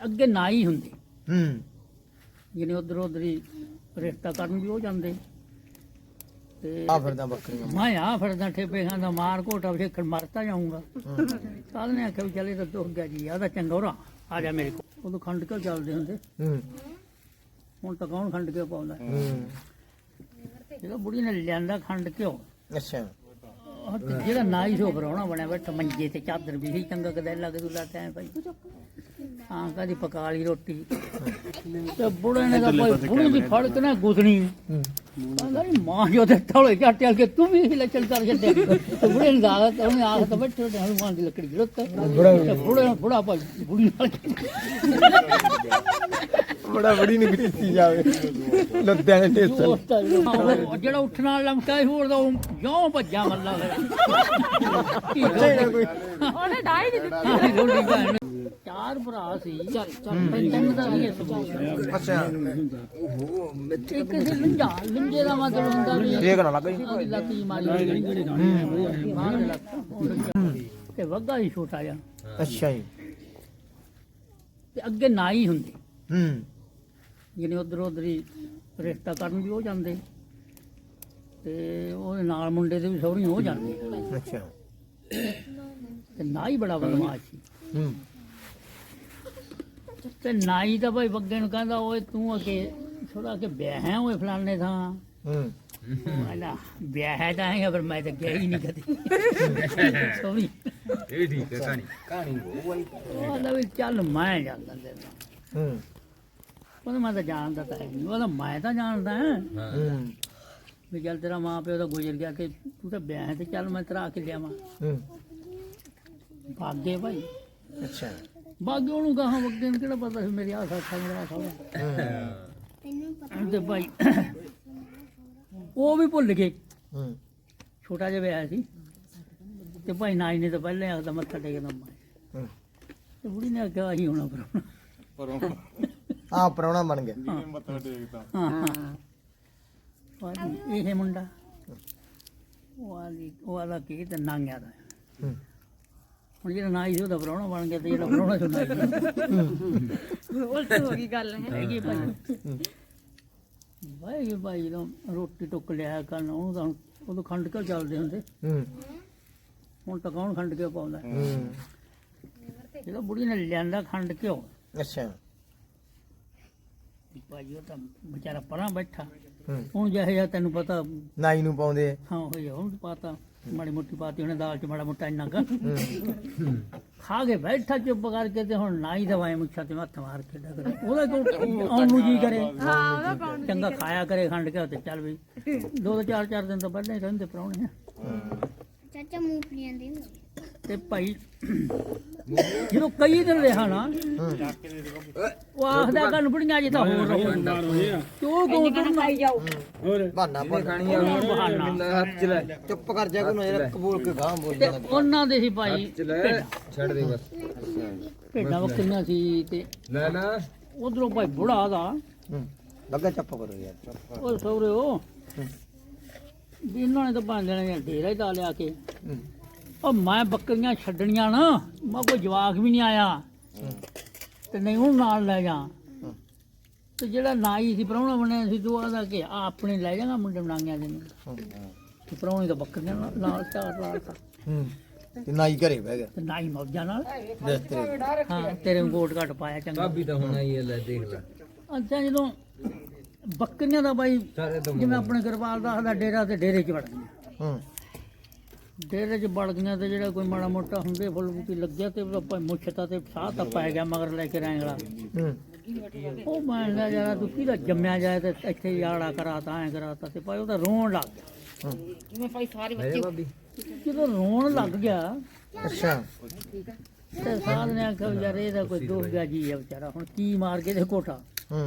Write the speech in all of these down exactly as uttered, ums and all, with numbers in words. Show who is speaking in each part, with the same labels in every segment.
Speaker 1: ਅੱਗੇ ਨਾ ਹੀ ਹੁੰਦੇ
Speaker 2: ਹੂੰ
Speaker 1: ਜਿਹਨੇ ਉਧਰ ਉਧਰ ਹੀ ਰਿਸ਼ਤਾ ਕਰਨ ਵੀ ਹੋ ਜਾਂਦੇ ਤੇ
Speaker 2: ਆ ਫਿਰਦਾ ਬੱਕਰੀਆਂ
Speaker 1: ਮੈਂ ਆ ਫਿਰਦਾ ਠੇਪੇ ਖਾਂਦਾ ਮਾਰ ਘੋਟਾ ਵੇਖਣ ਮਰਤਾ ਜਾਊਂਗਾ ਕੱਲ ਨੇ ਆਖਿਆ ਵੀ ਚੱਲੇ ਤਾਂ ਦੁੱਖ ਗਿਆ ਜੀ ਆਦਾ ਚੰਗਾ ਹੋਰਾ ਆ ਜਾ ਮੇਰੇ ਕੋਲ ਉਦੋਂ ਖੰਡ ਕੇ ਚੱਲਦੇ ਹੁੰਦੇ
Speaker 2: ਹੂੰ
Speaker 1: ਹੁਣ ਤਾਂ ਕੌਣ ਖੰਡ ਕੇ ਪਾਉਂਦਾ
Speaker 2: ਹੂੰ
Speaker 1: ਜਦੋਂ ਬੁੜੀ ਨੇ ਲਿਆਂਦਾ ਖੰਡ ਘਿਓ
Speaker 2: ਅੱਛਾ
Speaker 1: ਉਹ ਤੇ ਜਿਹੜਾ ਨਾਈ ਸੋ ਪਰਾਉਣਾ ਬਣਿਆ ਬੈਠਾ ਮੰਜੇ ਤੇ ਚਾਦਰ ਵੀ ਸੀ ਚੰਗਾ ਕਦੇ ਲੱਗ ਦੂ ਲਾਤਾ ਐ ਭਾਈ ਹਾਂ ਕਦੀ ਪਕਾ ਲਈ ਰੋਟੀ ਤੇ ਬੁੜੇ ਨੇ ਤਾਂ ਭਾਈ ਬੁੜੀ ਦੀ ਫੜ ਕੇ ਨਾ ਗੁੱਸਣੀ ਕਹਿੰਦਾ ਨੀ ਮਾਂ ਜੋ ਤੇ ਥੋੜੇ ਝਾਟੇ ਕੇ ਤੂੰ ਵੀ ਹਿਲ ਚੱਲ ਕਰ ਛੱਡਿਆ ਤੇ ਬੁੜੇ ਨੇ ਦਾਦਾ ਤੇ ਉਹਨੇ ਆਖ ਤਾਂ ਬੈਠੇ ਤੇ ਹਨੂਮਾਨ ਦੀ ਲੱਕੜੀ ਗਿਰਤ ਤੇ ਬੁੜੇ ਨੇ ਬੁੜਾ ਭਾਈ ਬੁੜੀ ਨਾਲ
Speaker 2: ਬੜਾ ਬੜੀ ਨਹੀਂ ਕੀਤੀ ਜਾਵੇ ਲੱਦਿਆਂ ਨੇ ਟੇਸਲ
Speaker 1: ਉਹ ਜਿਹੜਾ ਉੱਠਣ ਵਾਲਾ ਲਮਕਾ ਸੀ ਹੋਰ ਦਾ ਜਿਉਂ ਭੱਜਾ ਮੱਲਾ ਫਿਰ
Speaker 3: ਉਹਨੇ ਡਾਈ ਨਹੀਂ ਦਿੱਤੀ
Speaker 1: ਚਾਰ ਭਰਾ ਸੀ ਚੱਲ ਚੱਲ ਤਿੰਨ ਦਾ ਵੀ
Speaker 2: ਅੱਛਾ
Speaker 1: ਇੱਕ ਸੀ ਲੰਜਾ ਲੰਜੇ ਦਾ ਮਤਲਬ ਹੁੰਦਾ ਵੀ
Speaker 2: ਇਹ ਨਾ ਲੱਗ ਜੀ
Speaker 1: ਉਹਦੀ ਲੱਤ ਜੀ ਮਾਰੀ ਬਾਹਰ ਦੇ ਲੱਤ ਤੇ ਵੱਗਾ ਹੀ ਛੋਟਾ ਜਿਹਾ
Speaker 2: ਅੱਛਾ ਜੀ
Speaker 1: ਤੇ ਅੱਗੇ ਨਾ ਹੀ ਹੁੰਦੇ
Speaker 2: ਹੂੰ
Speaker 1: ਜਿਹਨੇ ਉਧਰ ਉਧਰ ਹੀ ਰਿਸ਼ਤਾ ਕਰਨ ਵੀ ਹੋ ਜਾਂਦੇ ਤੇ ਉਹਦੇ ਨਾਲ ਮੁੰਡੇ ਦੇ ਵੀ ਸਹੁਰੀ ਹੋ ਜਾਂਦੇ
Speaker 2: ਅੱਛਾ
Speaker 1: ਤੇ ਨਾ ਹੀ ਬੜਾ ਬਦਮਾਸ਼ ਸੀ
Speaker 2: ਹੂੰ
Speaker 1: ਤੇ ਨਾਈ ਤਾਂ ਭਾਈ ਬੱਗੇ ਨੂੰ ਕਹਿੰਦਾ ਓਏ ਤੂੰ ਅਕੇ ਥੋੜਾ ਕਿ ਵਿਆਹ ਹੈ ਓਏ ਫਲਾਣੇ ਥਾਂ
Speaker 2: ਹੂੰ
Speaker 1: ਵਾਲਾ ਵਿਆਹ ਹੈ ਤਾਂ ਹੈ ਪਰ ਮੈਂ ਤਾਂ ਗਿਆ ਹੀ ਨਹੀਂ ਕਦੇ ਸੋਰੀ
Speaker 4: ਇਹ ਠੀਕ ਹੈ ਕਹਾਣੀ ਕਹਾਣੀ
Speaker 1: ਉਹਦਾ ਵੀ ਚੱਲ ਮੈਂ ਜਾਂਦਾ ਤੇ
Speaker 2: ਹੂੰ
Speaker 1: ਉਹਦਾ ਮੈਂ ਤਾਂ ਜਾਣਦਾ ਤਾਂ ਹੈ ਨਹੀਂ ਉਹਦਾ ਮੈਂ ਤਾਂ ਜਾਣਦਾ ਹਾਂ
Speaker 2: ਹੂੰ
Speaker 1: ਵੀ ਚੱਲ ਤੇਰਾ ਮਾਂ ਪਿਓ ਤਾਂ ਗੁਜ਼ਰ ਗਿਆ ਤੇ ਤੂੰ ਤਾਂ ਵਿਆਹ ਹੈ ਤੇ ਚੱਲ ਮੈਂ ਤੇਰਾ ਆ ਕੇ ਲਿਆਵਾਂ
Speaker 2: ਹੂੰ
Speaker 1: ਭਾਗੇ ਭਾਈ
Speaker 2: ਅੱਛਾ
Speaker 1: ਬਾਗੇ ਉਹਨੂੰ ਕਹਾਂ ਬੱਗੇ ਨੂੰ ਕਿਹੜਾ ਪਤਾ ਸੀ ਮੇਰੀ ਆਹ ਸਾਥਾ ਮੇਰਾ ਸਾਥਾ ਤੇ ਭਾਈ ਉਹ ਵੀ ਭੁੱਲ ਗਏ
Speaker 2: ਹੂੰ
Speaker 1: ਛੋਟਾ ਜਿਹਾ ਵਿਆਹ ਸੀ ਤੇ ਭਾਈ ਨਾਈ ਨੇ ਤਾਂ ਪਹਿਲਾਂ ਆਖਦਾ ਮੱਥਾ ਟੇਕਦਾ ਮੈਂ
Speaker 2: ਹੂੰ
Speaker 1: ਤੇ ਬੁੜੀ ਨੇ ਆਖਿਆ ਆਹੀ ਹੋਣਾ ਪਰ
Speaker 2: ਆ ਪ੍ਰਾਹੁਣਾ ਬਣ ਗਿਆ
Speaker 1: ਹਾਂ ਹਾਂ ਉਹ ਇਹ ਮੁੰਡਾ ਉਹ ਆਲੀ ਉਹ ਆਲਾ ਕੀ ਤੇ ਨਾਂਗਿਆ ਦਾ
Speaker 2: ਹੂੰ
Speaker 1: ਹੁਣ ਜਿਹੜਾ ਨਾਈ ਸੀ ਉਹਦਾ ਪ੍ਰਾਹੁਣਾ ਬਣ ਗਿਆ ਤੇ ਜਿਹੜਾ ਪ੍ਰਾਹੁਣਾ ਸੀ ਨਾਈ
Speaker 3: ਉਲਟ ਹੋ ਗਈ ਗੱਲ ਹੈ
Speaker 1: ਹੈਗੀ ਭਾਈ ਭਾਈ ਭਾਈ ਜਦੋਂ ਰੋਟੀ ਟੁੱਕ ਲਿਆ ਕਰਨ ਉਹਨੂੰ ਤਾਂ ਉਦੋਂ ਖੰਡ ਕੇ ਚੱਲਦੇ ਹੁੰਦੇ
Speaker 2: ਹੂੰ
Speaker 1: ਹੁਣ ਤਾਂ ਕੌਣ ਖੰਡ ਕੇ ਪਾਉਂਦਾ
Speaker 2: ਹੂੰ
Speaker 1: ਜਦੋਂ ਬੁੜੀ ਨੇ ਲਿਆਂਦਾ ਖੰਡ ਘਿਓ
Speaker 2: ਅੱਛਾ
Speaker 1: ਭਾਈ ਉਹ ਤਾਂ ਵਿਚਾਰਾ ਪਰਾਂ ਬੈਠਾ
Speaker 2: ਹੂੰ
Speaker 1: ਹੁਣ ਜਿਹੇ ਜਿਹਾ ਤੈਨੂੰ ਪਤਾ
Speaker 2: ਨਾਈ ਨੂੰ ਪਾਉਂਦੇ
Speaker 1: ਹਾਂ ਹੋਈ ਹੁਣ ਪਾਤਾ ਮਾੜੀ ਮੋਟੀ ਪਾਤੀ ਉਹਨੇ ਦਾਲ ਚ ਮਾੜਾ ਮੋਟਾ ਇੰਨਾ ਕੁ
Speaker 2: ਹੂੰ
Speaker 1: ਖਾ ਕੇ ਬੈਠਾ ਚੁੱਪ ਕਰਕੇ ਤੇ ਹੁਣ ਨਾ ਹੀ ਦਵਾਈ ਮੁੱਛਾਂ ਤੇ ਹੱਥ ਮਾਰ ਕੇ ਡਗਰ ਉਹਦਾ ਕੋਈ ਆਉਣ ਨੂੰ ਜੀ ਕਰੇ
Speaker 3: ਹਾਂ ਉਹਦਾ ਕੌਣ
Speaker 1: ਚੰਗਾ ਖਾਇਆ ਕਰੇ ਖੰਡ ਕੇ ਤੇ ਚੱਲ ਵੀ ਦੋ ਦੋ ਚਾਰ ਚਾਰ ਦਿਨ ਤਾਂ ਪਹਿਲਾਂ ਹੀ ਰਹਿੰਦੇ ਪ੍ਰਾਹੁਣੇ
Speaker 5: ਚਾਚਾ ਮੂੰਗਫਲੀਆਂ ਦੇ
Speaker 1: ਤੇ ਭਾਈ ਜਦੋਂ ਕਈ ਦਿਨ ਰਿਹਾ ਨਾ ਉਹ ਆਖਦਾ ਕੰਨ ਬੁੜੀਆਂ ਜੇ ਤਾਂ ਹੋਰ ਰਹੋ ਤੂੰ ਕੋ ਤੂੰ
Speaker 3: ਖਾਈ ਜਾਓ
Speaker 2: ਬਹਾਨਾ ਪਾ ਖਾਣੀ ਹੱਥ ਚ ਲੈ ਚੁੱਪ ਕਰ ਜਾ ਕੋਈ ਨਜ਼ਰ ਕਬੂਲ ਕੇ ਗਾਂ ਬੋਲ
Speaker 1: ਤੇ ਉਹਨਾਂ ਦੇ ਸੀ ਭਾਈ ਭੇਡਾਂ।
Speaker 4: ਛੱਡ ਦੇ ਬਸ
Speaker 1: ਭੇਡਾਂ ਬੱਕਰੀਆਂ ਸੀ ਤੇ
Speaker 4: ਲੈ ਲੈ
Speaker 1: ਉਧਰੋਂ ਭਾਈ ਬੁੜਾ ਦਾ
Speaker 2: ਹੂੰ ਲੱਗਾ ਚੁੱਪ ਕਰੋ ਯਾਰ ਚੁੱਪ
Speaker 1: ਉਹ ਸੌਰੇ ਉਹ ਵੀ ਇਹਨਾਂ ਨੇ ਤਾਂ ਪੰਜ ਜਣੇ ਡੇਰਾ ਹੀ ਲਾ ਲਿਆ ਕੇ
Speaker 2: ਹੂੰ
Speaker 1: ਉਹ ਮੈਂ ਬੱਕਰੀਆਂ ਛੱਡਣੀਆਂ ਨਾ ਮੈਂ ਕੋਈ ਜਵਾਕ ਵੀ ਨਹੀਂ ਆਇਆ ਤੇ ਨਹੀਂ ਉਹਨੂੰ ਨਾਲ ਲੈ ਜਾ ਤੇ ਜਿਹੜਾ ਨਾਈ ਸੀ ਪ੍ਰਾਹੁਣਾ ਬਣਿਆ ਸੀ ਤੂੰ ਆਦਾ ਕਿ ਆ ਆਪਣੇ ਲੈ ਜਾਗਾ ਮੁੰਡੇ ਬਣਾਈਆਂ ਦੇ ਨੂੰ ਤੇ ਪ੍ਰਾਹੁਣੇ ਤਾਂ ਬੱਕਰੀਆਂ ਨਾਲ ਨਾਲ ਚਾਰ ਲਾਤਾ
Speaker 2: ਹੂੰ ਤੇ ਨਾਈ ਘਰੇ ਬਹਿ ਗਿਆ
Speaker 1: ਤੇ ਨਾਈ ਮੌਜਾਂ ਨਾਲ
Speaker 2: ਦੇਖ ਤੇਰੇ
Speaker 1: ਹਾਂ ਤੇਰੇ ਨੂੰ ਗੋਟ ਘੱਟ ਪਾਇਆ ਚੰਗਾ
Speaker 4: ਭਾਬੀ ਤਾਂ ਹੁਣ ਆਈ ਹੈ ਲੈ ਦੇਖ ਲੈ
Speaker 1: ਅੱਛਾ ਜਦੋਂ ਬੱਕਰੀਆਂ ਦਾ ਬਾਈ
Speaker 4: ਸਾਰੇ ਤੋਂ
Speaker 1: ਜਿਵੇਂ ਆਪਣੇ ਗਰਵਾਲ ਦਾ ਦਾ ਡੇਰਾ ਤੇ ਡੇਰੇ 'ਚ ਵੜ ਗਈਆਂ
Speaker 2: ਹੂੰ
Speaker 1: ਡੇਰੇ 'ਚ ਵੜ ਗਈਆਂ ਤੇ ਜਿਹੜਾ ਕੋਈ ਮਾੜਾ ਮੋਟਾ ਹੁੰਦੇ ਫੁੱਲ ਬੂਟੀ ਲੱਗਿਆ ਤੇ ਆਪਾਂ ਮੁੱਛਤਾ ਤੇ ਸਾਹ ਤਾਂ ਪੈ ਗਿਆ ਮਗਰ ਲੈ ਕੇ ਰੈਂਗਲਾ
Speaker 2: ਹੂੰ
Speaker 1: ਉਹ ਮੈਂ ਲਿਆ ਯਾਰ ਤੂੰ ਕਿਹਦਾ ਜੰਮਿਆ ਜਾਏ ਤੇ ਇੱਥੇ ਯਾੜਾ ਕਰਾਤਾ ਐ ਕਰਾਤਾ ਤੇ ਭਾਈ ਉਹ ਤਾਂ ਰੋਣ ਲੱਗ ਗਿਆ
Speaker 2: ਹੂੰ
Speaker 3: ਜਿਵੇਂ ਭਾਈ ਸਾਰੇ
Speaker 4: ਲੈ ਭਾਬੀ
Speaker 1: ਜਦੋਂ ਰੋਣ ਲੱਗ ਗਿਆ
Speaker 2: ਅੱਛਾ
Speaker 1: ਤੇ ਸਾਧ ਨੇ ਆਖਿਆ ਵੀ ਯਾਰ ਇਹਦਾ ਕੋਈ ਦੁੱਖ ਗਿਆ ਜੀ ਆ ਵਿਚਾਰਾ ਹੁਣ ਕੀ ਮਾਰ ਕੇ ਤੇ ਕੋਟਾ
Speaker 2: ਹੂੰ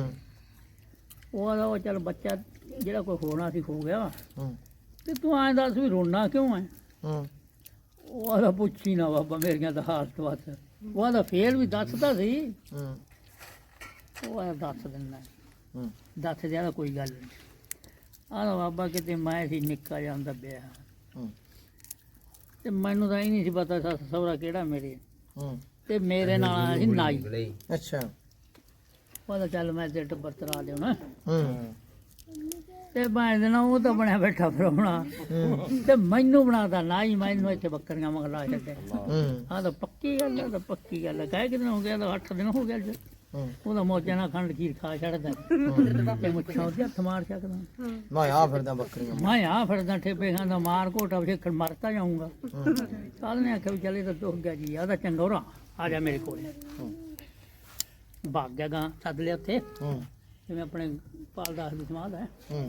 Speaker 1: ਉਹ ਆਦਾ ਉਹ ਚੱਲ ਬੱਚਾ ਜਿਹੜਾ ਕੋਈ ਹੋਣਾ ਸੀ ਹੋ ਗਿਆ
Speaker 2: ਹੂੰ
Speaker 1: ਤੇ ਤੂੰ ਐਂ ਦੱਸ ਵੀ ਰੋਣਾ ਕਿਉਂ ਐ
Speaker 2: ਹੂੰ
Speaker 1: ਉਹ ਆਦਾ ਪੁੱਛੀ ਨਾ ਬਾਬਾ ਮੇਰੀਆਂ ਤਾਂ ਹਾਲਤ ਬਸ ਉਹ ਆਦਾ ਫੇਰ ਵੀ ਦੱਸਦਾ ਸੀ
Speaker 2: ਹੂੰ
Speaker 1: ਉਹ ਆਦਾ ਦੱਸ ਦਿੰਦਾ
Speaker 2: ਹੂੰ
Speaker 1: ਦੱਸ ਦਿਆ ਕੋਈ ਗੱਲ ਨਹੀਂ ਆਦਾ ਬਾਬਾ ਕਿਤੇ ਮੈਂ ਸੀ ਨਿੱਕਾ ਜਿਹਾ ਹੁੰਦਾ ਵਿਆਹ
Speaker 2: ਹੂੰ
Speaker 1: ਤੇ ਮੈਨੂੰ ਤਾਂ ਇਹ ਨਹੀਂ ਸੀ ਪਤਾ ਸੱਸ ਸਹੁਰਾ ਕਿਹੜਾ ਮੇਰੇ
Speaker 2: ਹੂੰ
Speaker 1: ਤੇ ਮੇਰੇ ਨਾਲ ਆਇਆ ਸੀ ਨਾਈ
Speaker 2: ਅੱਛਾ
Speaker 1: ਉਹਦਾ ਚੱਲ ਮੈਂ ਤੇ ਟੱਬਰ ਤਰਾ ਲਿਆਉਣਾ
Speaker 2: ਹੂੰ
Speaker 1: ਤੇ ਮੈਂ ਦੇਣਾ ਉਹ ਤਾਂ ਬਣਿਆ ਬੈਠਾ ਫਰਾਉਣਾ ਤੇ ਮੈਨੂੰ ਬਣਾਦਾ ਨਾ ਹੀ ਮੈਨੂੰ ਇੱਥੇ ਬੱਕਰੀਆਂ ਮੰਗਲਾ ਛੱਡੇ
Speaker 2: ਹੂੰ
Speaker 1: ਆਹ ਤਾਂ ਪੱਕੀ ਗੱਲ ਆ ਤਾਂ ਪੱਕੀ ਗੱਲ ਆ ਕਹਿ ਕਿਦਾਂ ਹੋ ਗਿਆ ਤਾਂ ਅੱਠ ਦਿਨ ਹੋ ਗਿਆ ਅੱਜ
Speaker 2: ਹੂੰ
Speaker 1: ਉਹਦਾ ਮੌਜਾਂ ਨਾਲ ਖੰਡ ਖੀਰ ਖਾ ਛੱਡਦਾ ਤੇ ਮੁੱਛਾਂ ਉਹਦੇ ਹੱਥ ਮਾਰ ਸਕਦਾ
Speaker 2: ਮੈਂ ਆ ਫਿਰਦਾ ਬੱਕਰੀਆਂ
Speaker 1: ਮੈਂ ਆ ਫਿਰਦਾ ਠੇਪੇ ਖਾਂਦਾ ਮਾਰ ਘੋਟਾ ਵੇਖਣ ਮਰਤਾ ਜਾਊਂਗਾ ਕੱਲ ਨੇ ਆਖਿਆ ਵੀ ਚੱਲੇ ਤਾਂ ਦੁੱਖ ਗਿਆ ਜੀ ਆਦਾ ਚੰਗੋਰਾ ਆ ਜਾ ਮੇਰੇ ਕੋਲ ਭਾਗ ਗਿਆ ਗਾਂ ਸੱਦ ਲਿਆ ਉੱਥੇ
Speaker 2: ਹੂੰ
Speaker 1: ਜਿਵੇਂ ਆਪਣੇ ਪਾਲ ਦਾਸ ਦੀ ਸਮਾਧ ਹੈ
Speaker 2: ਹੂੰ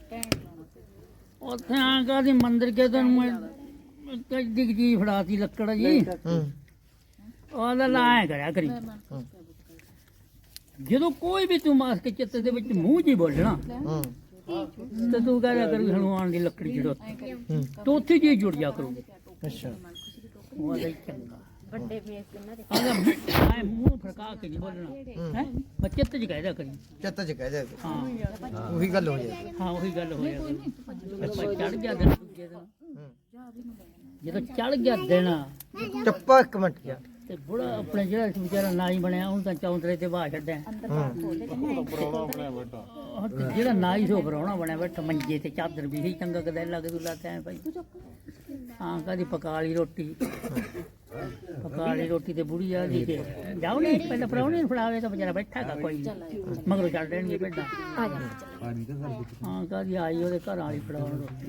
Speaker 1: ਉੱਥੇ ਆ ਕੇ ਦੀ ਮੰਦਿਰ ਕੇ ਤੈਨੂੰ ਮੈਂ ਕੱਢੀ ਜੀ ਫੜਾਤੀ ਲੱਕੜ ਜੀ
Speaker 2: ਹੂੰ
Speaker 1: ਉਹਦਾ ਲਾਇਆ ਕਰਿਆ ਕਰੀ ਜਦੋਂ ਕੋਈ ਵੀ ਤੂੰ ਮਾਸ ਕੇ ਚਿੱਤ ਦੇ ਵਿੱਚ ਮੂੰਹ ਜੀ ਬੋਲਣਾ
Speaker 2: ਹੂੰ
Speaker 1: ਤੇ ਤੂੰ ਕਹਿਆ ਕਰੀ ਹਨੂਮਾਨ ਦੀ ਲੱਕੜੀ ਜੜੋ ਤੂੰ ਉੱਥੇ ਜੀ ਜੁੜ ਜਾ ਕਰੂ
Speaker 2: ਅੱਛਾ
Speaker 1: ਉਹਦਾ ਹੀ ਚੰਗਾ ਵੱਡੇ ਫੇਸ ਇਹਨਾਂ ਦੇ ਮੂੰਹ ਫਰਕਾ ਕੇ ਨਹੀਂ ਬੋਲਣਾ ਹੈ ਮੈਂ ਚਿੱਤ ਚ ਕਹਿਦਾ ਕਰੀ
Speaker 2: ਚੱਤ ਚ ਕਹਿ ਜਾ
Speaker 1: ਹਾਂ
Speaker 2: ਉਹੀ ਗੱਲ ਹੋ ਜਾਏ
Speaker 1: ਹਾਂ ਉਹੀ ਗੱਲ ਹੋਇਆ ਚੜ ਗਿਆ ਦਿਨ ਦੂਜੇ ਦਿਨ ਜਦੋਂ ਚੜ ਗਿਆ ਦਿਨ
Speaker 2: ਚੱਪਾ ਇੱਕ ਮਿੰਟ ਯਾਰ
Speaker 1: ਤੇ ਬੁੜਾ ਆਪਣੇ ਜਿਹੜਾ ਵਿਚਾਰਾ ਨਾਈ ਬਣਿਆ ਉਹਨੂੰ ਤਾਂ ਚੌਂਤਰੇ ਤੇ ਬਾਹ ਛੱਡਿਆ ਉਹ ਤੇ ਜਿਹੜਾ ਨਾਈ ਸੋ ਪਰਾਉਣਾ ਬਣਿਆ ਬੈਠਾ ਮੰਜੇ ਤੇ ਚਾਦਰ ਵੀ ਸੀ ਚੰਗਾ ਕਦੇ ਲੱਗ ਦੁਲਾ ਤੈਂ ਭਾਈ ਹਾਂ ਕਦੀ ਪਕਾ ਲਈ ਰੋਟੀ ਪਕਾ ਲਈ ਰੋਟੀ ਤੇ ਬੁੜੀ ਆ ਦੀ ਕੇ ਜਾਓ ਨਹੀਂ ਪਹਿਲਾਂ ਪਰਾਉਣੇ ਨੂੰ ਫੜਾਵੇ ਤਾਂ ਵਿਚਾਰਾ ਬੈਠਾ ਹੈਗਾ ਕੋਈ ਨਹੀਂ ਮਗਰੋਂ ਛੱਡ ਦੇਣਗੇ ਭੇਡਾਂ ਹਾਂ ਕਦੀ ਆਈ ਉਹਦੇ ਘਰ ਵਾਲੀ ਫੜਾਉਣ ਰੋਟੀ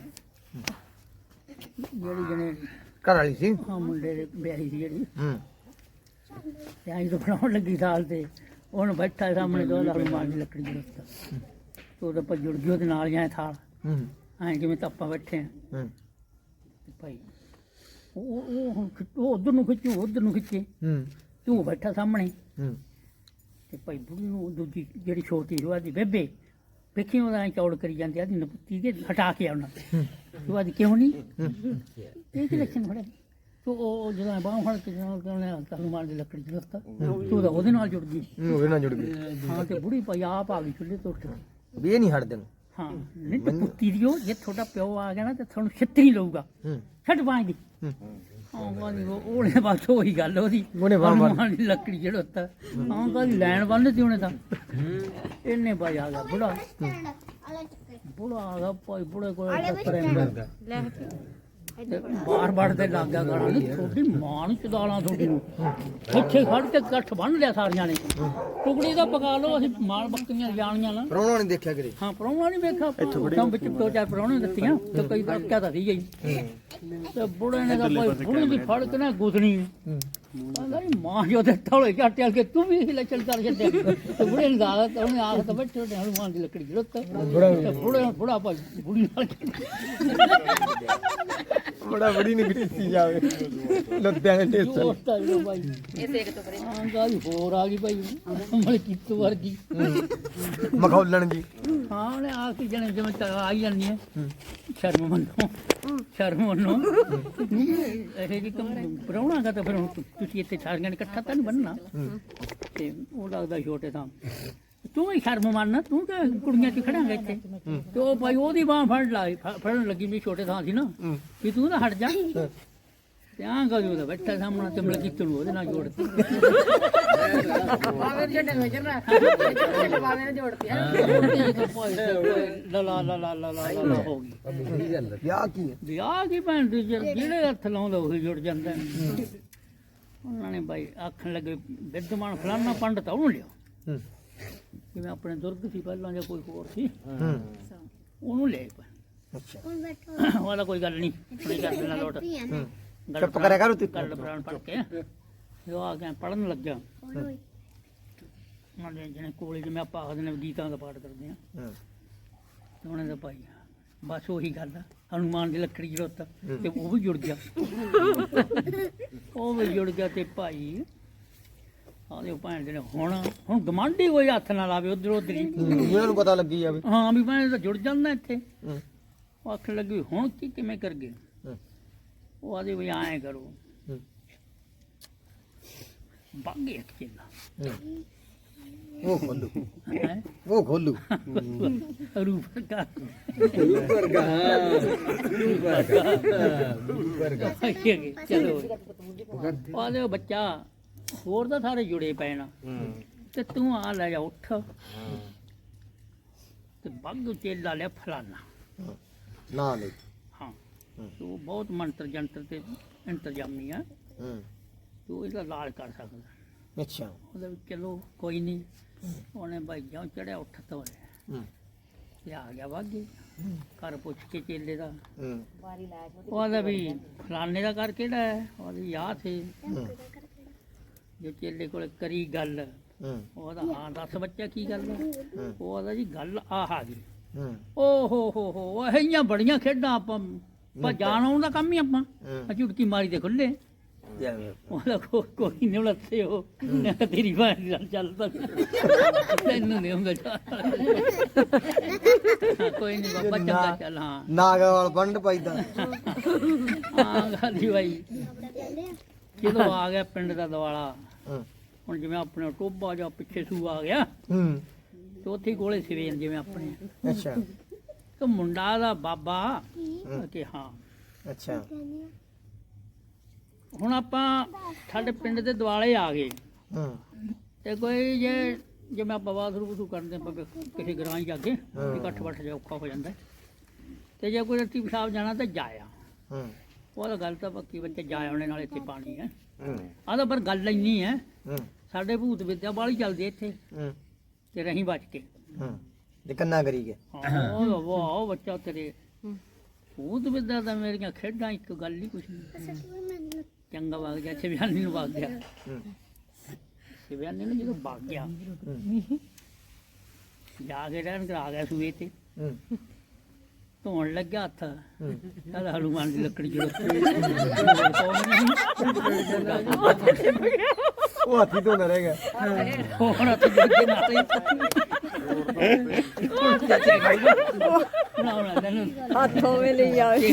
Speaker 1: ਜਿਹੜੀ ਜਣੇ
Speaker 2: ਘਰ ਵਾਲੀ ਸੀ
Speaker 1: ਹਾਂ ਮੁੰਡੇ ਦੇ ਵਿਆਹੀ ਸੀ ਜਿਹੜੀ
Speaker 2: ਹੂੰ
Speaker 1: ਤੇ ਆਈ ਤੋਂ ਬਣਾਉਣ ਲੱਗੀ ਸਾਲ ਤੇ ਉਹਨੂੰ ਬੈਠਾ ਸਾਹਮਣੇ ਦੋ ਲੱਖ ਮਾਰ ਦੀ ਲੱਕੜੀ ਦੇ ਉੱਤੇ ਤੇ ਉਹਦਾ ਪਰ ਜੁੜ ਗਿਆ ਉਹਦੇ ਨਾਲ ਜਾਏ ਥਾਲ
Speaker 2: ਹੂੰ
Speaker 1: ਐਂ ਜਿਵੇਂ ਤਾਂ ਆਪਾਂ ਬੈਠੇ ਆ
Speaker 2: ਹੂੰ
Speaker 1: ਤੇ ਭਾਈ ਉਹ ਉਹ ਹੁਣ ਖਿੱਚ- ਉਹ ਉਧਰ ਨੂੰ ਖਿੱਚੂ ਉਧਰ ਨੂੰ ਖਿੱਚੇ
Speaker 2: ਹੂੰ
Speaker 1: ਤੂੰ ਬੈਠਾ ਸਾਹਮਣੇ
Speaker 2: ਹੂੰ
Speaker 1: ਤੇ ਭਾਈ ਬੁੜੀ ਨੂੰ ਦੂਜੀ ਜਿਹੜੀ ਛੋਟੀ ਸੀ ਉਹਦੀ ਬੇਬੇ ਵੇਖੀ ਉਹਦਾ ਐਂ ਚੌੜ ਕਰੀ ਜਾਂਦੀ ਆਦੀ ਨਪੁੱਤੀ ਕੇ ਹਟਾ ਕੇ ਆਉਣਾ ਤੂੰ ਆਦੀ ਕਿਉਂ ਨਹੀਂ ਇਹ ਕੀ ਲੱਛਣ ਫੜੇ ਤੂੰ ਉਹ ਜਦੋਂ ਬਾਹ ਫੜ ਕੇ ਜਦੋਂ ਕਹਿੰਦੇ ਤੁਹਾਨੂੰ ਮਾਰ ਦੀ ਲੱਕੜੀ ਚ ਰਸਤਾ ਤੂੰ ਤਾਂ ਉਹਦੇ ਨਾਲ ਜੁੜ ਗਈ
Speaker 2: ਉਹਦੇ ਨਾਲ ਜੁੜ ਗਏ
Speaker 1: ਹਾਂ ਤੇ ਬੁੜੀ ਭਾਈ ਆਪ ਆ ਗਈ ਚੁੱਲ੍ਹੇ ਤੋਂ ਉੱਠ ਕੇ।
Speaker 2: ਵੀ ਇਹ ਨਹੀਂ ਹਟਦੇ ਨੂੰ
Speaker 1: ਹਾਂ ਨਹੀਂ ਤੇ ਪੁੱਤੀ ਦਿਓ ਜੇ ਤੁਹਾਡਾ ਪਿਓ ਆ ਗਿਆ ਨਾ ਤੇ ਤੁਹਾਨੂੰ ਛਿੱਤਰੀ ਲਊਗਾ
Speaker 2: ਹੂੰ
Speaker 1: ਛੱਡ ਪਾਂਗੀ
Speaker 2: ਹੂੰ
Speaker 1: ਹਾਂ ਕਹਿੰਦੀ ਉਹ ਉਹਨੇ ਬਸ ਉਹੀ ਗੱਲ ਉਹਦੀ
Speaker 2: ਉਹਨੇ ਬਾਂਹ ਫੜ-
Speaker 1: ਹਨੂੰਮਾਨ ਦੀ ਲੱਕੜੀ ਜਿਹੜਾ ਉੱਤਾ ਹਾਂ ਕਹਿੰਦੀ ਲੈਣ ਬੰਨ੍ਹਤੀ ਉਹਨੇ ਤਾਂ ਇਹਨੇ ਭਾਈ ਆ ਗਿਆ ਬੁੜਾ ਬੁੜਾ ਆ ਗਿਆ ਭਾਈ ਬੁੜੇ ਕੋਲ
Speaker 3: ਲੈ
Speaker 1: ਬਾਰ ਬਾਰ ਤੇ ਲੱਗ ਗਿਆ ਗਾਣਾ ਨਹੀਂ ਤੁਹਾਡੀ ਮਾਂ ਨੂੰ ਚਦਾਲਾਂ ਤੁਹਾਡੀ ਨੂੰ ਇੱਥੇ ਖੜ ਕੇ ਇਕੱਠ ਬੰਨ ਲਿਆ ਸਾਰੀਆਂ ਨੇ ਟੁਕੜੀ ਦਾ ਪਕਾ ਲਓ ਅਸੀਂ ਮਾਲ ਬੱਕਰੀਆਂ ਜਾਣੀਆਂ ਨਾ
Speaker 2: ਪਰੋਣਾ ਨਹੀਂ ਦੇਖਿਆ ਕਰੇ
Speaker 1: ਹਾਂ ਪ੍ਰਾਹੁਣਾ ਨਹੀਂ ਵੇਖਿਆ ਤਾਂ ਵਿੱਚ ਦੋ ਚਾਰ ਪ੍ਰਾਹੁਣੇ ਦਿੱਤੀਆਂ ਤੇ ਕਈ ਤਾਂ ਕਿਆ ਤਾਂ ਸੀ ਗਈ ਤੇ ਬੁੜੇ ਨੇ ਤਾਂ ਭਾਈ ਬੁੜੇ ਦੀ ਫੜ ਕੇ ਨਾ ਗੁੱਸਣੀ ਕਹਿੰਦਾ ਨੀ ਮਾਂ ਜੋ ਦੇ ਥੋੜੇ ਝਾਟਿਆ ਕੇ ਤੂੰ ਵੀ ਹਿਲਾ ਚੱਲ ਕਰ ਛੱਡਿਆ ਤੇ ਬੁੜੇ ਨੇ ਦਾਦਾ ਤੇ ਉਹਨੇ ਆਖ ਤਾਂ ਬੈਠੇ ਤੇ ਹਨੂਮਾਨ ਦੀ ਲੱਕੜੀ ਜਰੂਰਤ ਤੇ ਬੁੜੇ ਬੁੜਾ ਭਾਈ ਬੁੜੀ ਨਾਲ
Speaker 2: ਬੜਾ ਬੜੀ ਨਿਕਲੀ ਜਾਵੇ ਲੱਦਿਆਂ ਦੇ ਢੇਸਲ
Speaker 1: ਦੋਸਤ ਆ ਜਿਹੜਾ ਭਾਈ
Speaker 3: ਇਹ ਦੇਖ ਤੋਂ ਪਰੇ
Speaker 1: ਹਾਂ ਗੱਲ ਹੋਰ ਆ ਗਈ ਭਾਈ ਮਲ ਕਿੱਤੂ ਵਰਗੀ
Speaker 2: ਮਖੌਲਣ ਜੀ
Speaker 1: ਹਾਂ ਉਹਨੇ ਆ ਕੇ ਜਣੇ ਜਿਵੇਂ ਤਾਂ ਆਈ ਜਾਂਦੀ ਹੈ ਸ਼ਰਮ ਮੰਨੋ ਸ਼ਰਮ ਮੰਨੋ ਇਹ ਜੀ ਕੰਮ ਪ੍ਰਾਹੁਣਾ ਦਾ ਤਾਂ ਫਿਰ ਹੁਣ ਤੁਸੀਂ ਇੱਥੇ ਸਾਰੀਆਂ ਨੇ ਇਕੱਠਾ ਤਾਂ ਨਹੀਂ ਬੰਨਣਾ ਤੇ ਉਹ ਲੱਗਦਾ ਛੋਟੇ ਤਾਂ ਤੂੰ ਹੀ ਸ਼ਰਮ ਮੰਨ ਤੂੰ ਤਾਂ ਕੁੜੀਆਂ ਚ ਖੜਾਂਗਾ ਇੱਥੇ ਤੇ ਉਹ ਭਾਈ ਉਹਦੀ ਬਾਂਹ ਫੜ ਲਾਈ ਫ- ਫੜਨ ਲੱਗੀ ਵੀ ਛੋਟੇ ਥਾਂ ਸੀ ਨਾ ਵੀ ਤੂੰ ਨਾ ਹਟ ਜਾ ਤੇ ਆਂ ਗਾ ਉਹਦਾ ਬੈਠਾ ਸਾਹਮਣੇ ਤੇ ਮਲ ਕਿੱਤੂ ਨੂੰ ਉਹਦੇ ਨਾਲ ਜੋੜਤੀ
Speaker 3: ਬਾਵੇਂ ਛੱਡੇ ਨਜ਼ਰ ਨਾ ਛੱਡੇ ਬਾਵੇਂ ਨੇ ਜੋੜਤੀ
Speaker 1: ਲਾ ਲਾ ਲਾ ਲਾ ਲਾ ਲਾ ਲਾ ਹੋ ਗਈ
Speaker 4: ਸਹੀ ਗੱਲ ਹੈ।
Speaker 2: ਵਿਆਹ ਕੀ ਹੈ
Speaker 1: ਵਿਆਹ ਦੀ ਭੈਣ ਦੀ ਜਿਹੜੇ ਜਿਹੜੇ ਹੱਥ ਲਾਉਂਦਾ ਉਹੀ ਜੁੜ ਜਾਂਦਾ ਉਹਨਾਂ ਨੇ ਬਾਈ ਆਖਣ ਲੱਗੇ ਵਿਦਵਾਨ ਫਲਾਨਾ ਪੰਡਤ ਉਹਨੂੰ ਲਿਆ
Speaker 2: ਹੂੰ
Speaker 1: ਜਿਵੇਂ ਆਪਣੇ ਦੁਰਗ ਸੀ ਪਹਿਲਾਂ ਜਾਂ ਕੋਈ ਹੋਰ ਸੀ
Speaker 2: ਹੂੰ
Speaker 1: ਉਹਨੂੰ ਲੈ ਪਏ
Speaker 2: ਅੱਛਾ
Speaker 5: ਹੁਣ ਬੈਠੋ
Speaker 1: ਉਹਦਾ ਕੋਈ ਗੱਲ ਨਹੀਂ ਨਹੀਂ ਕਰ ਦੇਣਾ ਲੋਟ
Speaker 2: ਹੂੰ
Speaker 1: ਗੱਲ
Speaker 2: ਚੁੱਪ ਕਰਿਆ ਕਰ ਤੂੰ
Speaker 1: ਗੱਲ ਪ੍ਰਾਣ ਪੜ ਕੇ ਜੋ ਆ ਕੇ ਪੜਨ ਲੱਗਿਆ
Speaker 5: ਓਏ
Speaker 1: ਨਾਲੇ ਜਿਹਨੇ ਕੋਲੇ ਜਿਵੇਂ ਆਪਾਂ ਆਖਦੇ ਨੇ ਗੀਤਾਂ ਦਾ ਪਾਠ ਕਰਦੇ ਆ
Speaker 2: ਹੂੰ
Speaker 1: ਤੇ ਉਹਨੇ ਤਾਂ ਭਾਈ ਬਸ ਉਹੀ ਗੱਲ ਆ ਹਨੂਮਾਨ ਦੀ ਲੱਕੜੀ ਜਰੂਰਤ ਤੇ ਉਹ ਵੀ ਜੁੜ ਗਿਆ ਉਹ ਵੀ ਜੁੜ ਗਿਆ ਤੇ ਭਾਈ ਆਦੇ ਭੈਣ ਦੇ ਨੇ ਹੁਣ ਹੁਣ ਗਮਾਂਡੀ ਕੋਈ ਹੱਥ ਨਾ ਲਾਵੇ ਉਧਰ ਉਧਰ ਹੀ
Speaker 2: ਇਹਨਾਂ ਨੂੰ ਪਤਾ ਲੱਗੀ ਜਾਵੇ
Speaker 1: ਹਾਂ ਵੀ ਭੈਣ ਤਾਂ ਜੁੜ ਜਾਂਦਾ ਇੱਥੇ
Speaker 2: ਹੂੰ
Speaker 1: ਉਹ ਆਖਣ ਲੱਗੀ ਹੁਣ ਕੀ ਕਿਵੇਂ ਕਰ ਗਏ
Speaker 2: ਹੂੰ
Speaker 1: ਉਹ ਆਦੇ ਵੀ ਐਂ ਕਰੋ
Speaker 2: ਹੂੰ
Speaker 1: ਬਾਗੇ ਇੱਕ ਚੇਲਾ
Speaker 2: ਉਹ ਖੋਲੂ
Speaker 1: ਹੈ
Speaker 2: ਉਹ ਖੋਲੂ
Speaker 1: ਰੂਪ ਦਾ
Speaker 4: ਵਰਗਾ ਵਰਗਾ
Speaker 1: ਚਲੋ ਆਦੇ ਬੱਚਾ ਹੋਰ ਤਾਂ ਸਾਰੇ ਜੁੜੇ ਪਏ ਨਾ ਤੇ ਤੂੰ ਆ ਲੈ ਜਾ ਉੱਠ ਤੇ ਬੱਗ ਚੇਲਾ ਲਿਆ ਫਲਾਨਾ
Speaker 2: ਨਾ ਨਹੀਂ
Speaker 1: ਹਾਂ ਤੂੰ ਬਹੁਤ ਮੰਤਰ ਜੰਤਰ ਤੇ ਇੰਤਜ਼ਾਮੀ ਆ
Speaker 2: ਹੂੰ
Speaker 1: ਤੂੰ ਇਹਦਾ ਇਲਾਜ ਕਰ ਸਕਦਾ
Speaker 2: ਅੱਛਾ
Speaker 1: ਉਹਦੇ ਵਿੱਚ ਚਲੋ ਕੋਈ ਨਹੀਂ ਉਹਨੇ ਭਾਈ ਜਿਉਂ ਚੜਿਆ ਉੱਠ ਤੋਂ
Speaker 2: ਹੂੰ
Speaker 1: ਤੇ ਆ ਗਿਆ ਵਾਗੇ ਘਰ ਪੁੱਛ ਕੇ ਚੇਲੇ ਦਾ
Speaker 2: ਹੂੰ
Speaker 1: ਉਹਦਾ ਵੀ ਫਲਾਨੇ ਦਾ ਘਰ ਕਿਹੜਾ ਹੈ ਉਹਦੀ ਯਾਦ ਸੀ
Speaker 2: ਹੂੰ
Speaker 1: ਜੋ ਚੇਲੇ ਕੋਲ ਕਰੀ ਗੱਲ
Speaker 2: ਹੂੰ
Speaker 1: ਉਹਦਾ ਹਾਂ ਦੱਸ ਬੱਚਾ ਕੀ ਗੱਲ ਹੈ
Speaker 2: ਹੂੰ।
Speaker 1: ਉਹਦਾ ਜੀ ਗੱਲ ਆਹ ਆ ਗਈ
Speaker 2: ਹੂੰ
Speaker 1: ਓ ਹੋ ਹੋ ਹੋ ਉਹ ਇਹੀਆਂ ਬੜੀਆਂ ਖੇਡਾਂ ਆਪਾਂ ਪਰ ਜਾਣ ਆਉਣ ਦਾ ਕੰਮ ਹੀ ਆਪਾਂ
Speaker 2: ਹੂੰ।
Speaker 1: ਆ ਝੁਟਕੀ ਮਾਰੀ ਤੇ ਖੁੱਲੇ
Speaker 2: ਜਿਵੇਂ
Speaker 1: ਉਹਦਾ ਕੋ- ਕੋਈ ਨਹੀਂ ਉਲੱਥੇ ਹੋ ਤੇਰੀ ਬਾਤ ਨਾਲ ਚੱਲਦਾ ਤੈਨੂੰ ਨਹੀਂ ਹੁੰਦਾ ਕੋਈ ਨਹੀਂ ਬਾਬਾ ਚੰਗਾ ਚੱਲ ਹਾਂ
Speaker 2: ਨਾਗਾ ਵਾਲ ਬੰਡ ਪਾਈਦਾ
Speaker 1: ਹਾਂ ਗਾਲੀ ਬਾਈ ਜਦੋਂ ਆ ਗਿਆ ਪਿੰਡ ਦਾ ਦਿਵਾਲਾ
Speaker 2: ਹੂੰ
Speaker 1: ਹੁਣ ਜਿਵੇਂ ਆਪਣੇ ਟੋਬਾ ਜਾਂ ਪਿੱਛੇ ਸੂ ਆ ਗਿਆ
Speaker 2: ਹੂੰ
Speaker 1: ਤੇ ਉੱਥੇ ਹੀ ਕੋਲੇ ਸਵੇਰ ਜਿਵੇਂ ਆਪਣੇ
Speaker 2: ਅੱਛਾ
Speaker 1: ਤੇ ਮੁੰਡਾ ਦਾ ਬਾਬਾ ਕਿ ਹਾਂ
Speaker 2: ਅੱਛਾ
Speaker 1: ਹੁਣ ਆਪਾਂ ਸਾਡੇ ਪਿੰਡ ਦੇ ਦਿਵਾਲੇ ਆ ਗਏ
Speaker 2: ਹੂੰ
Speaker 1: ਤੇ ਕੋਈ ਜੇ ਜਿਵੇਂ ਆਪਾਂ ਬਾਥਰੂਮ ਬਥੂ ਕਰਦੇ ਆਪਾਂ ਕਿਸੇ ਗਰਾਂ ਜਾ ਕੇ ਇਕੱਠ ਬੱਠ ਜਾ ਔਖਾ ਹੋ ਜਾਂਦਾ ਤੇ ਜੇ ਕੋਈ ਰੱਤੀ ਪਿਸ਼ਾਬ ਜਾਣਾ ਤਾਂ ਜਾਇਆ
Speaker 2: ਹੂੰ
Speaker 1: ਉਹਦਾ ਗੱਲ ਤਾਂ ਪੱਕੀ ਬੱਚੇ ਜਾ ਆਉਣੇ ਨਾਲ ਇੱਥੇ ਪਾਣੀ ਹੈ
Speaker 2: ਹੂੰ
Speaker 1: ਆਹ ਤਾਂ ਪਰ ਗੱਲ ਇੰਨੀ ਹੈ
Speaker 2: ਹੂੰ
Speaker 1: ਸਾਡੇ ਭੂਤ ਵਿਦਿਆ ਵਾਲੀ ਚੱਲਦੀ ਇੱਥੇ
Speaker 2: ਹੂੰ
Speaker 1: ਤੇ ਰਹੀ ਬਚ ਕੇ
Speaker 2: ਹੂੰ ਤੇ ਕੰਨਾ ਕਰੀ ਗਏ
Speaker 1: ਹਾਂ ਉਹ ਵਾਹ ਬੱਚਾ ਤੇਰੇ ਭੂਤ ਵਿਦਿਆ ਦਾ ਮੇਰੀਆਂ ਖੇਡਾਂ ਇੱਕ ਗੱਲ ਹੀ ਕੁਛ ਨਹੀਂ ਚੰਗਾ ਵਗ ਗਿਆ ਸ਼ਿਵਿਆਨੀ ਨੂੰ ਵਗ ਗਿਆ
Speaker 2: ਹੂੰ
Speaker 1: ਸ਼ਿਵਿਆਨੀ ਨੂੰ ਜਦੋਂ ਵਗ ਗਿਆ
Speaker 2: ਹੂੰ
Speaker 1: ਜਾ ਕੇ ਰਹਿਣ ਕਰਾ ਗਿਆ ਸੂਏ ਤੇ
Speaker 2: ਹੂੰ
Speaker 1: ਧੋਣ ਲੱਗਿਆ ਹੱਥ
Speaker 2: ਹੂੰ
Speaker 1: ਕਹਿੰਦਾ ਹਨੂਮਾਨ ਦੀ ਲੱਕੜੀ ਜਦੋਂ
Speaker 2: ਉਹ ਹਾਥੀ ਤੋਂ ਨਾ ਰਹਿ ਗਿਆ
Speaker 1: ਹੁਣ ਹੱਥ ਜੋਗੇ ਨਾਲ ਹੀ ਨਾ ਨਾ ਤੈਨੂੰ
Speaker 3: ਹੱਥੋਂ ਵੇ ਲਈ ਆਵੇ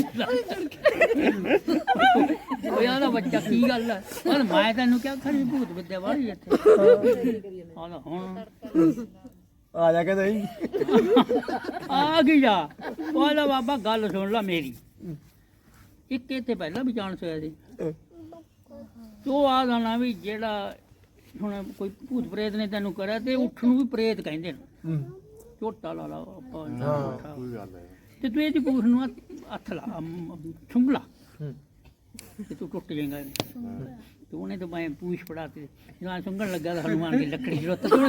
Speaker 1: ਉਹ ਯਾਰ ਬੱਚਾ ਕੀ ਗੱਲ ਹੈ ਪਰ ਮੈਂ ਤੈਨੂੰ ਕਿਹਾ ਖਰੀ ਭੂਤ ਵਿਦਿਆ ਵਾਲੀ ਇੱਥੇ ਹਾਂ ਹੁਣ
Speaker 2: ਆ ਜਾ ਕੇ ਨਹੀਂ
Speaker 1: ਆ ਗਈ ਜਾ ਉਹਦਾ ਬਾਬਾ ਗੱਲ ਸੁਣ ਲੈ ਮੇਰੀ ਇੱਕ ਇੱਥੇ ਪਹਿਲਾਂ ਵੀ ਜਾਣ ਹੋਇਆ ਸੀ ਤੋ ਆ ਗਾਣਾ ਵੀ ਜਿਹੜਾ ਹੁਣ ਕੋਈ ਭੂਤ ਪ੍ਰੇਤ ਨੇ ਤੈਨੂੰ ਕਰਿਆ ਤੇ ਉੱਠ ਨੂੰ ਵੀ ਪ੍ਰੇਤ ਕਹਿੰਦੇ ਨੇ
Speaker 2: ਹੂੰ
Speaker 1: ਝੋਟਾ ਲਾ ਲਾ ਆਪਾਂ
Speaker 2: ਹਾਂ।
Speaker 1: ਤੇ ਤੂੰ ਇਹਦੀ ਪੂਛ ਨੂੰ ਹੱਥ- ਹੱਥ ਲਾ ਛੁੰਗਲਾ
Speaker 2: ਹੂੰ
Speaker 1: ਤੇ ਤੂੰ ਟੁੱਟ ਜਾਏਗਾ ਤੂੰ ਉਹਨੇ ਤਾਂ ਮੈਂ ਪੂਛ ਫੜਾ ਤੇ ਜਦੋਂ ਸੁੰਗਣ ਲੱਗਾ ਤਾਂ ਹਨੂਮਾਨ ਦੀ ਲੱਕੜੀ ਜਰੂਰਤ ਤੂੰ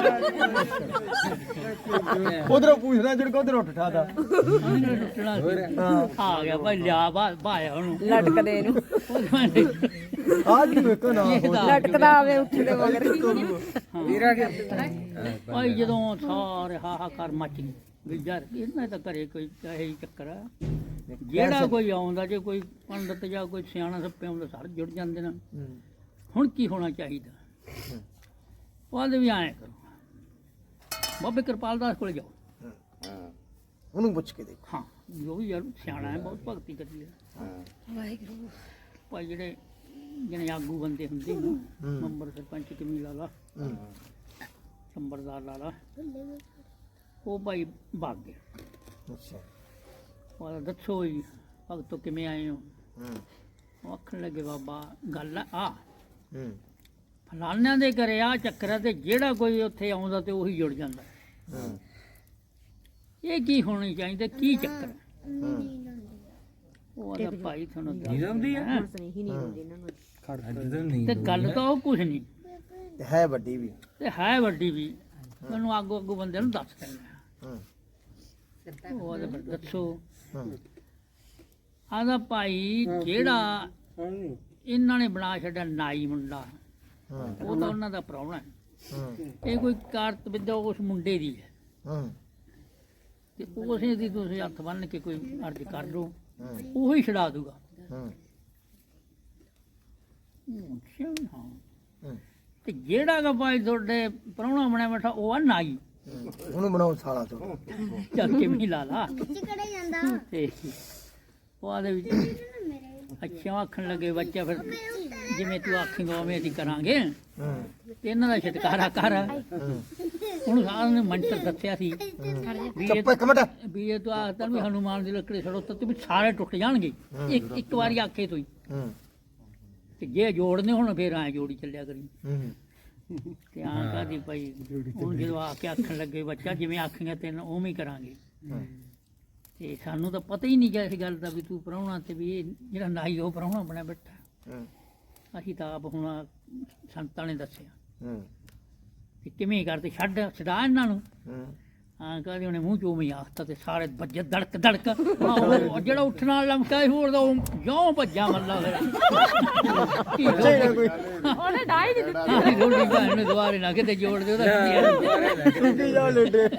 Speaker 2: ਉਧਰੋਂ ਪੁੱਛਣਾ ਜੜ ਕੋ ਉਧਰ ਉੱਠ ਠਾਦਾ
Speaker 1: ਟੁੱਟਣਾ ਸੀ। ਆ ਗਿਆ ਭਾਈ ਲਿਆ ਬਾ ਭਾਇਆ ਉਹਨੂੰ
Speaker 3: ਲਟਕਦੇ ਇਹਨੂੰ
Speaker 2: ਆ ਜੀ ਵੇਖੋ ਨਾ
Speaker 3: ਲਟਕਦਾ ਆਵੇ ਉੱਠਦੇ ਮਗਰ
Speaker 1: ਵੀਰਾ ਭਾਈ ਜਦੋਂ ਸਾਰੇ ਹਾਹਾਕਾਰ ਮਚ ਗਈ ਵੀ ਯਾਰ ਇਹਨਾਂ ਤਾਂ ਘਰੇ ਕੋਈ ਇਹੀ ਚੱਕਰ ਆ ਜਿਹੜਾ ਕੋਈ ਆਉਂਦਾ ਜੇ ਕੋਈ ਪੰਡਤ ਜਾਂ ਕੋਈ ਸਿਆਣਾ ਸੱਪੇ ਆਉਂਦਾ ਸਾਰੇ ਜੁੜ ਜਾਂਦੇ ਨੇ ਹੁਣ ਕੀ ਹੋਣਾ ਚਾਹੀਦਾ ਉਹਦੇ ਵੀ ਆਏ ਕਰੋ ਬਾਬੇ ਕਿਰਪਾਲ ਦਾਸ ਕੋਲ ਜਾਓ
Speaker 2: ਉਹਨੂੰ ਪੁੱਛ ਕੇ ਦੇਖ
Speaker 1: ਹਾਂ ਜੋ ਵੀ ਯਾਰ ਸਿਆਣਾ ਹੈ ਬਹੁਤ ਭਗਤੀ ਕਰਦੀ ਹੈ
Speaker 3: ਵਾਹਿਗੁਰੂ
Speaker 1: ਭਾਈ ਜਿਹੜੇ ਜਿਹਨੇ ਆਗੂ ਬੰਦੇ ਹੁੰਦੇ ਨੇ ਮੈਂਬਰ ਸਰਪੰਚ ਕਮੀ ਲਾ ਲਾ
Speaker 2: ਹੂੰ
Speaker 1: ਸੰਬਰਦਾਰ ਲਾ ਲਾ ਉਹ ਭਾਈ ਭੱਗ ਗਿਆ
Speaker 2: ਅੱਛਾ
Speaker 1: ਉਹ ਦੱਸੋ ਜੀ ਭਗਤੋ ਕਿਵੇਂ ਆਏ ਹੋ
Speaker 2: ਹੂੰ
Speaker 1: ਉਹ ਆਖਣ ਲੱਗੇ ਬਾਬਾ ਗੱਲ ਆ
Speaker 2: ਹੂੰ
Speaker 1: ਫਲਾਨਿਆਂ ਦੇ ਘਰੇ ਆ ਚੱਕਰ ਆ ਤੇ ਜਿਹੜਾ ਕੋਈ ਉੱਥੇ ਆਉਂਦਾ ਤੇ ਉਹੀ ਜੁੜ ਜਾਂਦਾ
Speaker 2: ਹੂੰ
Speaker 1: ਇਹ ਕੀ ਹੋਣੀ ਚਾਹੀਦਾ ਕੀ ਚੱਕਰ ਹੈ?
Speaker 2: ਹੂੰ
Speaker 1: ਉਹ ਆਦਾ ਭਾਈ ਤੁਹਾਨੂੰ ਦੱਸ ਦਿੰਦਾ
Speaker 3: ਨਹੀਂ ਨਹੀਂ ਹੁੰਦੀ ਇਹਨਾਂ ਨੂੰ
Speaker 1: ਤੇ ਗੱਲ ਤਾਂ ਉਹ ਕੁਛ ਨਹੀਂ
Speaker 2: ਤੇ ਹੈ ਵੱਡੀ ਵੀ
Speaker 1: ਤੇ ਹੈ ਵੱਡੀ ਵੀ ਮੈਨੂੰ ਆਗੂ ਆਗੂ ਬੰਦੇ ਨੂੰ ਦੱਸ ਦਿੰਦਾ
Speaker 2: ਹੂੰ
Speaker 1: ਉਹ ਆਦਾ ਦੱਸੋ
Speaker 2: ਹੂੰ
Speaker 1: ਆਦਾ ਭਾਈ ਜਿਹੜਾ ਇਹਨਾਂ ਨੇ ਬਣਾ ਛੱਡਿਆ ਨਾਈ ਮੁੰਡਾ
Speaker 2: ਹੂੰ
Speaker 1: ਉਹ ਤਾਂ ਉਹਨਾਂ ਦਾ ਪ੍ਰਾਹੁਣਾ ਹੈ
Speaker 2: ਹੂੰ
Speaker 1: ਇਹ ਕੋਈ ਕਾਰਤ ਵਿਦਿਆ ਉਸ ਮੁੰਡੇ ਦੀ ਹੈ
Speaker 2: ਹੂੰ
Speaker 1: ਤੇ ਉਸੇ ਦੀ ਤੁਸੀਂ ਹੱਥ ਬੰਨ ਕੇ ਕੋਈ ਅਰਜ਼ ਕਰ ਲਓ
Speaker 2: ਹੂੰ
Speaker 1: ਉਹੀ ਛਡਾ ਦੂਗਾ
Speaker 2: ਹੂੰ
Speaker 1: ਅੱਛਾ ਹਾਂ
Speaker 2: ਹੂੰ
Speaker 1: ਤੇ ਜਿਹੜਾ ਗਾ ਭਾਈ ਤੁਹਾਡੇ ਪ੍ਰਾਹੁਣਾ ਬਣਿਆ ਬੈਠਾ ਉਹ ਆ ਨਾਈ
Speaker 2: ਉਹਨੂੰ ਬਣਾਓ ਸਾਲਾ ਤੋਂ
Speaker 1: ਚੱਲ ਕੇ ਵੀ ਲਾ ਲਾ
Speaker 5: ਕਿੱਥੇ ਕੜੇ ਜਾਂਦਾ
Speaker 1: ਤੇ ਉਹ ਆਦੇ ਵਿੱਚ
Speaker 5: ਮੇਰੇ
Speaker 1: ਅੱਛਾ ਆਖਣ ਲੱਗੇ ਬੱਚਾ ਫਿਰ ਜਿਵੇਂ ਤੂੰ ਆਖੇਂਗਾ ਉਵੇਂ ਅਸੀਂ ਕਰਾਂਗੇ
Speaker 2: ਹੂੰ
Speaker 1: ਤੇ ਇਹਨਾਂ ਦਾ ਛਟਕਾਰਾ ਕਰ
Speaker 2: ਹੂੰ
Speaker 1: ਉਹਨੂੰ ਸਾਰਿਆਂ ਨੇ ਮੰਤਰ ਦੱਸਿਆ ਸੀ ਵੀ ਇਹ
Speaker 2: ਚੁੱਪ ਇੱਕ ਮਿੰਟ
Speaker 1: ਵੀ ਇਹ ਤੂੰ ਆਖਦਾ ਵੀ ਹਨੂਮਾਨ ਦੀ ਲੱਕੜੀ ਛੜੋ ਤੇ ਵੀ ਸਾਰੇ ਟੁੱਟ ਜਾਣਗੇ ਇੱਕ ਇੱਕ ਵਾਰੀ ਆਖੇ ਤੋਂ ਹੀ
Speaker 2: ਹੂੰ
Speaker 1: ਤੇ ਜੇ ਜੋੜਨੇ ਹੁਣ ਫੇਰ ਐ ਜੋੜੀ ਚੱਲਿਆ ਕਰੀ
Speaker 2: ਹੂੰ
Speaker 1: ਤੇ ਆਂ ਕਹਦੀ ਭਾਈ ਹੁਣ ਜਦੋਂ ਆ ਕੇ ਆਖਣ ਲੱਗੇ ਬੱਚਾ ਜਿਵੇਂ ਆਖੀਆਂ ਤੈਨੂੰ ਉਵੇਂ ਹੀ ਕਰਾਂਗੇ ਤੇ ਸਾਨੂੰ ਤਾਂ ਪਤਾ ਹੀ ਨਹੀਂ ਗਿਆ ਇਸ ਗੱਲ ਦਾ ਵੀ ਤੂੰ ਪ੍ਰਾਹੁਣਾ ਤੇ ਵੀ ਇਹ ਜਿਹੜਾ ਨਾਈ ਉਹ ਪ੍ਰਾਹੁਣਾ ਬਣਿਆ ਬੈਠਾ ਅਸੀਂ ਤਾਂ ਆਪ ਹੁਣ ਸੰਤਾਂ ਨੇ ਦੱਸਿਆ ਕਿ ਕਿਵੇਂ ਕਰਦੇ ਛੱਡ ਛਡਾ ਇਹਨਾਂ ਨੂੰ ਹਾਂ ਕਹਦੇ ਉਹਨੇ ਮੂੰਹ ਚੋਂ ਵੀ ਆਖਤਾ ਤੇ ਸਾਰੇ ਵੱਜੇ ਧੜਕ ਧੜਕ ਉਹ ਜਿਹੜਾ ਉੱਠਣ ਵਾਲਾ ਲਮਕਾ ਸੀ ਹੋਰ ਦਾ ਉਹ ਜਿਉਂ ਭੱਜਾ ਮੱਲਾ ਫਿਰ
Speaker 3: ਉਹਨੇ ਡਾਈ ਨਹੀਂ ਦਿੱਤੀ
Speaker 1: ਰੋਟੀ ਭੈਣ ਨੂੰ ਦੁਬਾਰੇ ਨਾ ਕਿਤੇ ਜੋੜ ਦੇ ਉਹਦਾ
Speaker 2: ਸੁੱਕੀ ਜਾ ਲੇਡੇ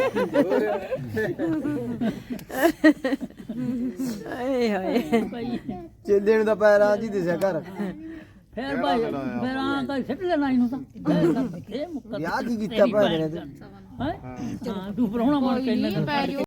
Speaker 3: ਏ ਹਾਏ
Speaker 1: ਭਾਈ
Speaker 2: ਚੇਲੇ ਨੂੰ ਤਾਂ ਪੈਰ ਆ ਜੀ ਦਿਸਿਆ ਘਰ
Speaker 1: ਫਿਰ ਭਾਈ ਫਿਰ ਆਂ ਕਾ ਸਿੱਟ ਲੈਣਾ ਇਹਨੂੰ ਤਾਂ ਇਹ ਮੁੱਕਾ
Speaker 2: ਵਿਆਹ ਕੀ ਕੀਤਾ ਭੈਣ ਨੇ ਤੇ?
Speaker 1: ਹਾਂ ਤੂੰ ਪ੍ਰਾਹੁਣਾ ਬਣ ਕੇ ਇਹਨਾਂ ਨੂੰ